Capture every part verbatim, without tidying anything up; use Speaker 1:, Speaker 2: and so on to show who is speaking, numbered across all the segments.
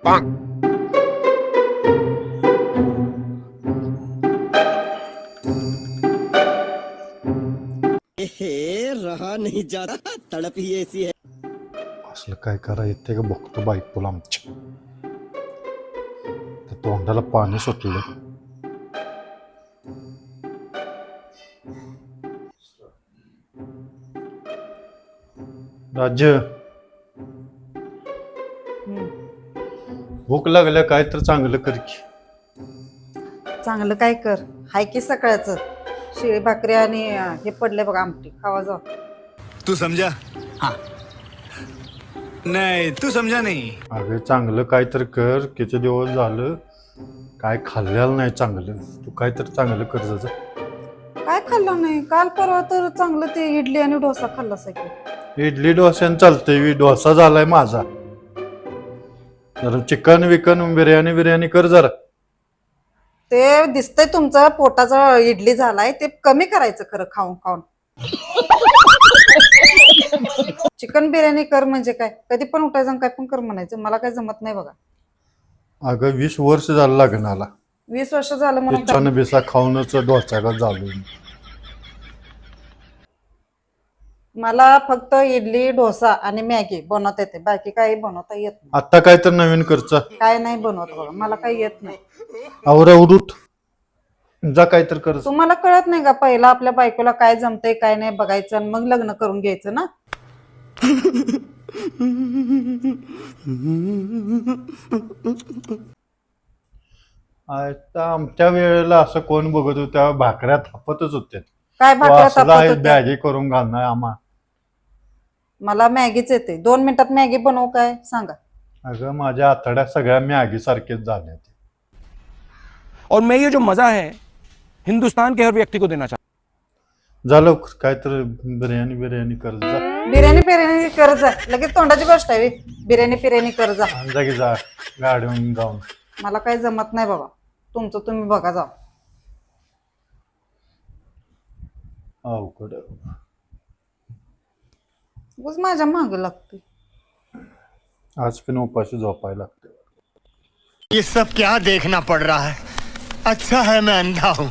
Speaker 1: हे रहा नहीं जाता, तड़प ही ऐसी है.
Speaker 2: असलं काय करा येते का बघतो बायकोला आमच्या. त्या तोंडाला पाणी सुटलं. राज्य भूक लागल्या काय तर चांगलं कर की.
Speaker 3: चांगलं काय कर, हाय की सकाळचं शिळी भाकरी आणि अं, हे पडले बघा आमटी, खावा जाऊ.
Speaker 4: तू समझा? हाँ. नहीं तू समझा नहीं.
Speaker 2: अगं चांगलं काय तर कर. किती दिवस झालं काय खाल्लेलं नाही चांगलं. तू काय तर चांगलं कर जा.
Speaker 3: काय खाल्लं नाही? काल परवा तर चांगलं ते इडली आणि डोसा खाल्ला सगळं.
Speaker 2: इडली डोस्यानं चालतंय. डोसा झालाय माझा. जरा चिकन विकन बिर्याणी बिर्याणी कर जरा.
Speaker 3: ते दिसतंय तुमचं पोटाचा इडली झालाय, ते कमी करायचं खरं खाऊन खाऊन. चिकन बिर्याणी कर म्हणजे काय? कधी पण उठायचं आणि काय पण कर म्हणायचं. मला काय जमत नाही बघा.
Speaker 2: अगं वीस वर्ष झालं लग्नाला.
Speaker 3: वीस वर्ष झालं म्हणून काय?
Speaker 2: छान बिसा खाऊनच डोस्याला झालो.
Speaker 3: मला फक्त इडली डोसा आणि मॅगी बनवता येते, बाकी काही बनवता येत नाही.
Speaker 2: आता काय तर नवीन करचा.
Speaker 3: काय नाही बनवत बघा, मला काही येत नाही.
Speaker 2: आवरा उडूट जा काय तर कर.
Speaker 3: तुम्हाला कळत नाही का पहिला आपल्या बायकोला काय जमतंय काय नाही बघायचं आणि मग लग्न करून घ्यायचं ना.
Speaker 2: आता आमच्या वेळेला असं कोण बघत होत, त्या भाकऱ्या थापतच होते.
Speaker 3: काय भाकऱ्या तापत होत्या?
Speaker 2: बॅगी करून घालणार आम्हा.
Speaker 3: मला मॅगीच येते. दोन मिनिटात मॅगी बनवू काय सांगा?
Speaker 2: अगं माझ्या आतड्या सगळ्या मॅगी सारखेच झाल्या.
Speaker 5: और मैं ये जो मजा है हिंदुस्तान के हर व्यक्ति को देना चाहता.
Speaker 2: झालं काय तर बिर्याणी बिर्याणी कर जा.
Speaker 3: बिर्याणी बिर्याणी कर जा, लगेच तोंडाची गोष्ट आहे. बिर्याणी बिर्याणी कर जा.
Speaker 2: जा की जा गाडीहून जाऊन.
Speaker 3: मला काही जमत नाही बाबा, तुमचं तुम्ही बघा जा.
Speaker 2: अवघड
Speaker 3: उगाच माझ्या माग लागते.
Speaker 2: आज पण उपाशी झोपायला लागते.
Speaker 4: ये सब क्या देखना पड़ रहा है? अच्छा है मैं अंधा हूँ.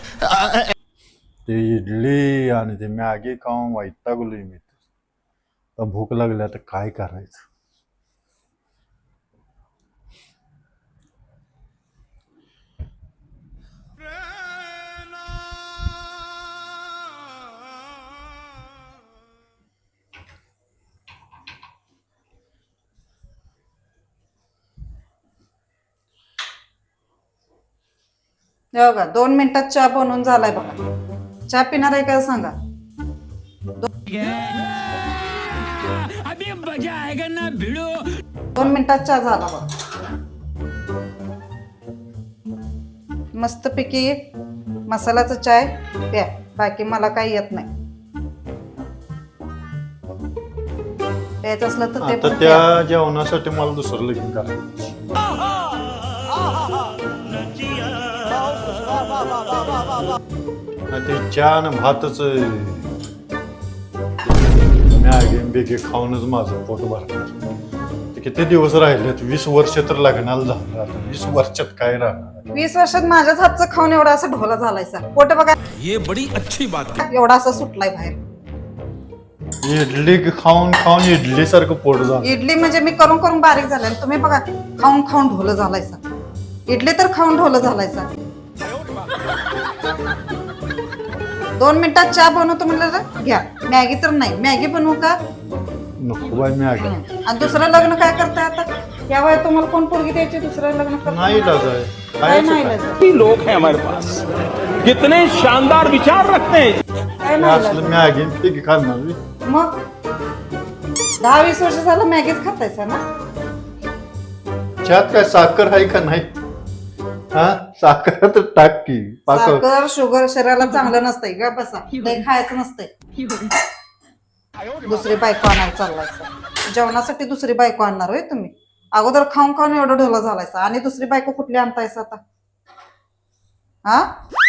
Speaker 2: ते इडली आणि ते मॅगी खाऊन वैतागलोय मी. आता भूक लागली, आता काय करायचं.
Speaker 3: हे बघा दोन मिनिटात चहा बनवून झालाय बघा. चहा पिणार आहे का सांगा? दोन मिनिटात चहा झाला बघा. मस्त पैकी मसाल्याचा चाय प्या, बाकी मला काही येत नाही. प्यायचं असलं तर ते
Speaker 2: आता
Speaker 3: पण प्या.
Speaker 2: त्या जेवणासाठी मला दुसरं लगीन करायचं. ते चहा आणि भातच मॅगी बेगी खाऊनच माझं पोट भरणार. ते किती दिवस राहिलेत? वीस वर्ष तर लग्नाला झालं. आता वीस वर्षात काय राहणार?
Speaker 3: वीस वर्षात माझ्याच हातचं खाऊन एवढा असं ढोला झालाय सर. पोट बघा
Speaker 5: ये बड़ी अच्छी बात है.
Speaker 3: एवढा असं सुटलाय बाहेर.
Speaker 2: इडली खाऊन खाऊन इडली सारखं पोट झालं.
Speaker 3: इडली म्हणजे मी करून करून बारीक झाले आणि तुम्ही बघा खाऊन खाऊन ढोलं झालाय सर. इडली तर खाऊन ढोलं झालाय सर. दोन मिनिटात चहा बनवतो म्हणलं तर घ्या. मॅगी तर नाही. मॅगी बनवू का?
Speaker 2: नको बाय मॅगी.
Speaker 3: आणि दुसरं लग्न काय करताय आता? या वयात तुम्हाला कोण पोरगी द्यायची? दुसरं लग्न करताय?
Speaker 2: नाही इलाज आहे.
Speaker 3: काय
Speaker 2: खायचं
Speaker 3: नाही
Speaker 2: काय?
Speaker 3: इलाज?
Speaker 5: लोग हैं हमारे पास, कितने शानदार विचार रखते हैं.
Speaker 3: काय नाही
Speaker 2: असलं
Speaker 3: इलाज?
Speaker 2: मॅगी बेगी खाणार मी.
Speaker 3: मग दहा वीस वर्ष झालं मॅगीच खातायचा ना?
Speaker 2: चहात काय साखर आहे का नाही? हा साखर तर टाक की. पाक
Speaker 3: साखर शुगर शरीराला चांगलं नसतंय का? बसा लय खायचं नसतंय. दुसरी बायको आणायला चाललायचा. जेवणासाठी दुसरी बायको आणणार होय तुम्ही? अगोदर खाऊन खाऊन एवढं ढोला झालायचा आणि दुसरी बायको कुठली आणतायसा आता? हा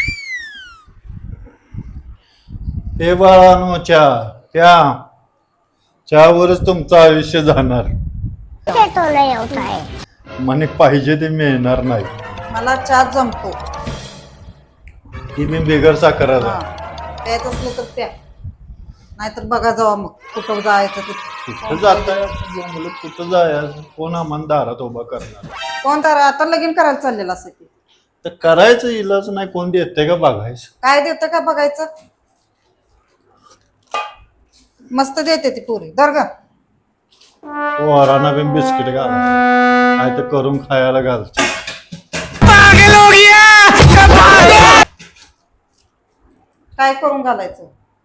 Speaker 2: हे बाळानो चहा त्या चहावरच तुमचं आयुष्य जाणार. म्हणे पाहिजे ते मिळणार नाही.
Speaker 3: मला चहा जमतो.
Speaker 2: की मी बेगर साखराचा.
Speaker 3: हा प्यायचं असलं तर प्या, नाहीतर बघा जावा मग कुठं जायचं ते.
Speaker 2: कुठं जाताय मुलं, कुठं जायचं, कोण आम्हाला दारात उभा करणार.
Speaker 3: कोण तर आता लगीन करायला चाललेलं असं की
Speaker 2: तर करायचं इलाज नाही, कोण देते का बघायचं.
Speaker 3: काय देतं का बघायचं. मस्त देते ती पुरी दर ग.
Speaker 2: वराना बिन बिस्किट घाल, काय तर करून खायला घालते.
Speaker 3: काय करून घालायचं.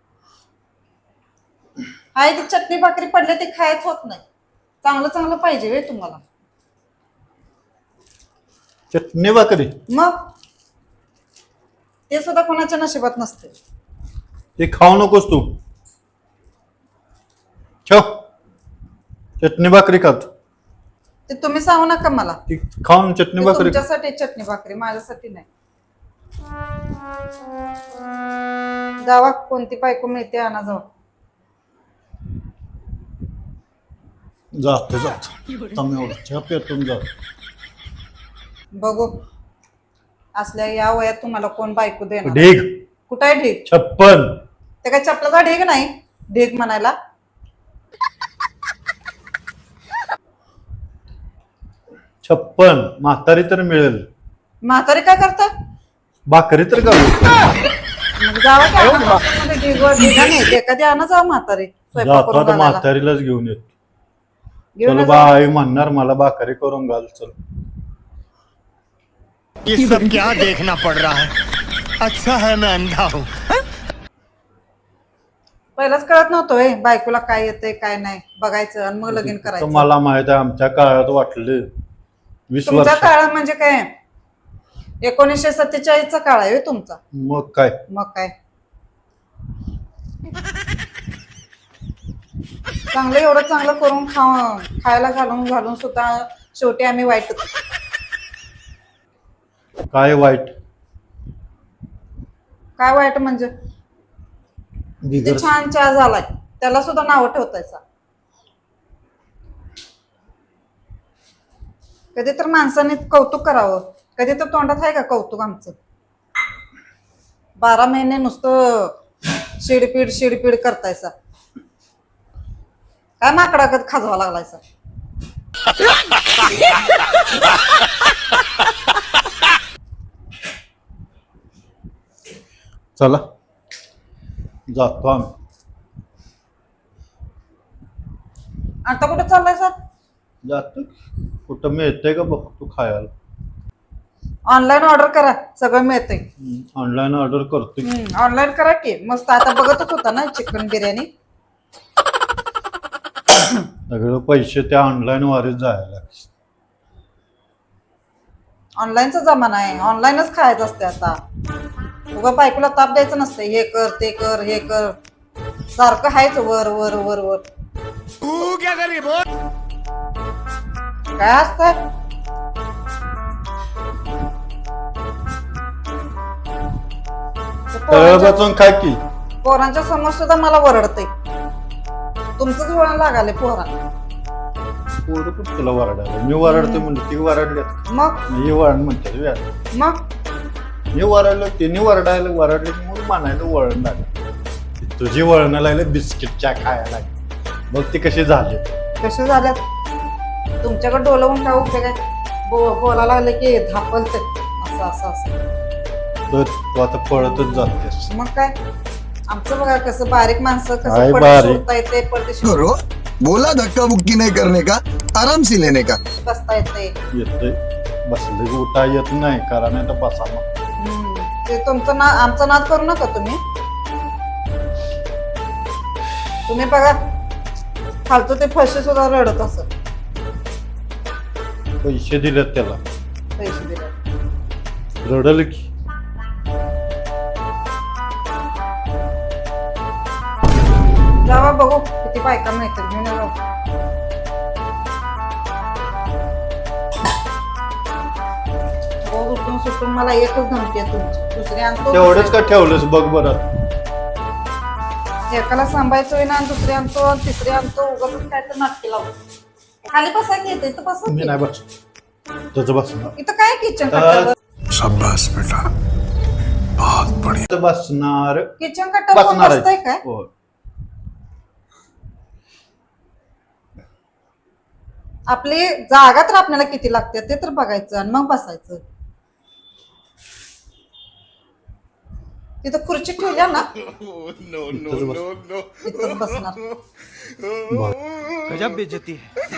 Speaker 3: हाय ती चटणी भाकरी पडले ते खायच होत नाही. चांगलं चांगलं पाहिजे वे तुम्हाला.
Speaker 2: चटणी भाकरी
Speaker 3: मग ते सुद्धा कोणाच्या नशिबात नसते.
Speaker 2: ते खाऊ नकोस तू. ठेव चटणी भाकरी खात.
Speaker 3: ते तुम्ही सांगू नका मला.
Speaker 2: ती खाऊन चटणी
Speaker 3: ते
Speaker 2: भाकरी.
Speaker 3: तुमच्यासाठी चटणी भाकरी, माझ्यासाठी नाही. जावा कोणती बायको मिळते आणा जावा.
Speaker 2: जातो जातो तुम्ही एवढं चहा पेटून जातो.
Speaker 3: बघू असल्या या वयात तुम्हाला कोण बायको देणार.
Speaker 2: ढीग
Speaker 3: कुठे आहे ढीग.
Speaker 2: छप्पन.
Speaker 3: ते काय चपलाचा ढीग नाही ढीग म्हणायला.
Speaker 2: छप्पन म्हातारी तर मिळेल.
Speaker 3: म्हातारी काय करता.
Speaker 2: भाकरी तर घालू.
Speaker 3: मग जावा की आणा बॉक्समध्ये ढीगवर ढिगा नाही एखादी आणा जावा म्हातारी स्वयंपाक
Speaker 2: जातो
Speaker 3: करून
Speaker 2: आता
Speaker 3: घालायला.
Speaker 2: म्हातारीलाच घेऊन येतो.
Speaker 3: घेऊन
Speaker 2: चल
Speaker 3: जा.
Speaker 2: बाई म्हणणार मला भाकरी करून घाल. चल
Speaker 4: ये सब क्या देखना पड़ रहा है? अच्छा है मैं अंधा हूँ.
Speaker 3: पहिलाच कळत नव्हतं हे बायकोला काय येतंय काय नाही बघायचं आणि मग लगीन करायचं.
Speaker 2: मला माहित आहे आमच्या काळात वाटले वीस
Speaker 3: तुमचा
Speaker 2: वर्ष.
Speaker 3: काळ म्हणजे काय एकोणीसशे सत्तेचाळीस चा काळ आहे हो तुमचा.
Speaker 2: मग काय
Speaker 3: मग काय चांगलं एवढं चांगलं करून खा खायला घालून घालून सुद्धा शेवटी आम्ही वाईटच.
Speaker 2: काय वाईट.
Speaker 3: काय वाईट म्हणजे ते
Speaker 2: बिगर
Speaker 3: छान चहा झालाय त्याला सुद्धा नाव ठेवतायचा. कधी तर माणसाने कौतुक करावं. कधी तर तोंडात आहे का कौतुक आमचं. बारा महिने नुसतं शिडपीड शिडपीड करतायचा. काय माकडा कधी खाजवा लागलायचा.
Speaker 2: चला जातो आम्ही.
Speaker 3: आता कुठे चाललाय सर.
Speaker 2: जातो कुठं मिळतंय का बघ तू खायला.
Speaker 3: ऑनलाईन ऑर्डर करा सगळं मिळतंय.
Speaker 2: ऑनलाईन ऑर्डर करतोय.
Speaker 3: ऑनलाईन करा की मस्त. आता बघतच होता ना चिकन बिर्याणी.
Speaker 2: सगळं पैसे त्या ऑनलाईन वारीच जायला.
Speaker 3: ऑनलाईनचा जमाना आहे. ऑनलाईनच खायचं असते आता. उगा बायकोला ताप द्यायचं नसतं. हे कर ते कर हे कर सारखं हायच वर वर वर वर.
Speaker 4: तू क्या कर रही बोल.
Speaker 3: काय असतंय.
Speaker 2: बसून काय की
Speaker 3: पोरांच्या समोर सुद्धा मला वरडतंय. तुमचंच वळण लागाले पोरांना.
Speaker 2: पोरं कुठं तुला वरडायला. मी वरडते म्हणलं ती वरडली.
Speaker 3: मग
Speaker 2: मी वरण म्हणते
Speaker 3: मग
Speaker 2: मी वरडलो तिने वरडायला वरडले म्हणून म्हणायला वळण लागलं. तुझी वळण लागले बिस्किटच्या खायला लागली. मग ती कशी झाली.
Speaker 3: कसे झाल्यात. तुमच्याकडे डोलवून काय उपयोग आहे. बो बोलायला लागले की धापलते असं असं असं.
Speaker 2: तर तू आता पळतच जातेस.
Speaker 3: मग काय आमचं बघा कसं बारीक माणसं
Speaker 2: काय
Speaker 3: कसं पडदे
Speaker 2: बारीक?
Speaker 3: सोडता येते पडदे
Speaker 6: करो बोला धक्का मुक्की नहीं करने का, आराम से लेने का.
Speaker 3: बसता येते.
Speaker 2: येते बसले की उठा येत नाही करा नाही तर बसा मग.
Speaker 3: हम्म. ते तुमचं ना आमचा नाद करू नका तुम्ही. तुम्ही बघा फालतू ते फशी सुद्धा रडत असत.
Speaker 2: पैसे दिलेत त्याला
Speaker 3: पैसे दिले
Speaker 2: रडल की.
Speaker 3: जावा बघू किती बायका मिळतात घेऊन या जाऊ. रोज उठून सुटून मला एकच धमकी आहे तुमची. दुसरी आणतो
Speaker 2: तेवढंच का ठेवलंस बघ बरं.
Speaker 3: एकाला सांभाळायचं विना आणि दुसरी आणतो आणि तिसरी आणतो. उगाच काय तर नाटकी लावतो. खाली बसा की येते तर बसा
Speaker 2: मी
Speaker 3: की.
Speaker 2: नाही बस इथंच बसणार
Speaker 3: इथं काय किचन कट्ट्यावर
Speaker 6: शाबाश बेटा बहुत बढ़िया
Speaker 2: इथं बसणार
Speaker 3: किचन कट्ट्यावर कोण
Speaker 2: बसणार
Speaker 3: बसतंय
Speaker 2: आहे.
Speaker 3: काय
Speaker 2: हो.
Speaker 3: आपली जागा तर आपल्याला किती लागते ते तर बघायचं आणि मग बसायचं. तिथं खुर्ची ठेवल्या ना
Speaker 2: इथंच बस.
Speaker 3: इथंच बसणार.
Speaker 5: गजब बेइज्जती है.